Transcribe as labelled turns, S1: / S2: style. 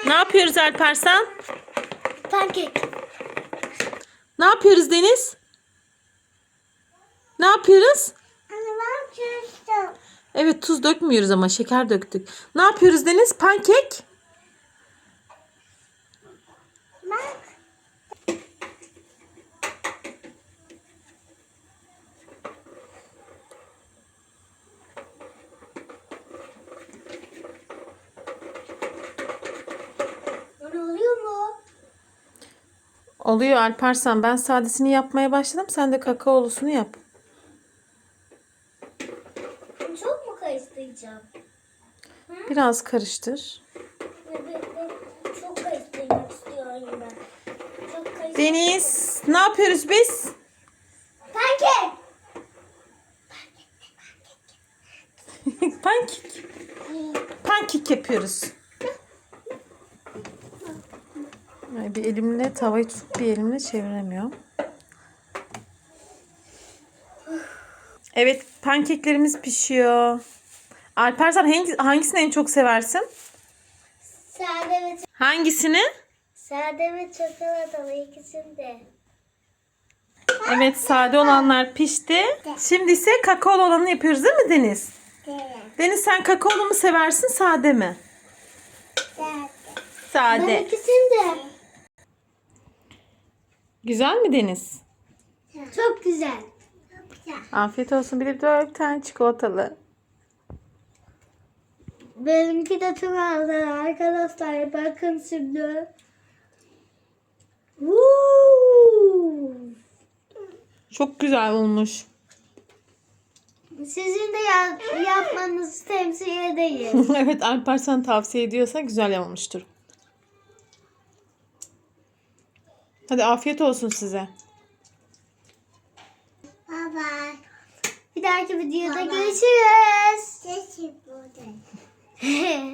S1: Ne yapıyoruz Alparslan?
S2: Pankek.
S1: Ne yapıyoruz Deniz? Ne yapıyoruz?
S2: Anne ben çözdüm.
S1: Evet, tuz dökmüyoruz ama şeker döktük. Ne yapıyoruz Deniz? Pankek.
S2: Bak. Ne oluyor mu?
S1: Oluyor Alparslan. Ben sadesini yapmaya başladım. Sen de kakaolusunu yap.
S2: Çok mu karıştıracağım?
S1: Biraz karıştır.
S2: Evet, çok karıştırmak istiyorum ben. Çok karıştırmak.
S1: Deniz, ne yapıyoruz biz?
S2: Pankek.
S1: Pankek. Pankek yapıyoruz. Bir elimle tavayı tutup bir elimle çeviremiyorum. Evet, pankeklerimiz pişiyor. Alparslan hangisini en çok seversin? Hangisini?
S2: Sade ve çikolatalı ikisini de.
S1: Evet, sade olanlar pişti. Şimdi ise kakaolu olanı yapıyoruz değil mi Deniz?
S2: Evet.
S1: Deniz, sen kakaolu mu seversin, sade mi?
S2: Ben
S1: Sade.
S2: ikisini de.
S1: Güzel mi Deniz?
S2: Çok güzel. Çok güzel.
S1: Afiyet olsun. Bir de 4 tane çikolatalı.
S2: Benimki de çok güzel arkadaşlar. Bakın şimdi. Woo!
S1: Çok güzel olmuş.
S2: Sizin de yapmanızı temsil edeyim.
S1: Evet, Alparslan tavsiye ediyorsa güzel olmuştur. Hadi afiyet olsun size.
S2: Bye bye. Bir dahaki videoda görüşürüz.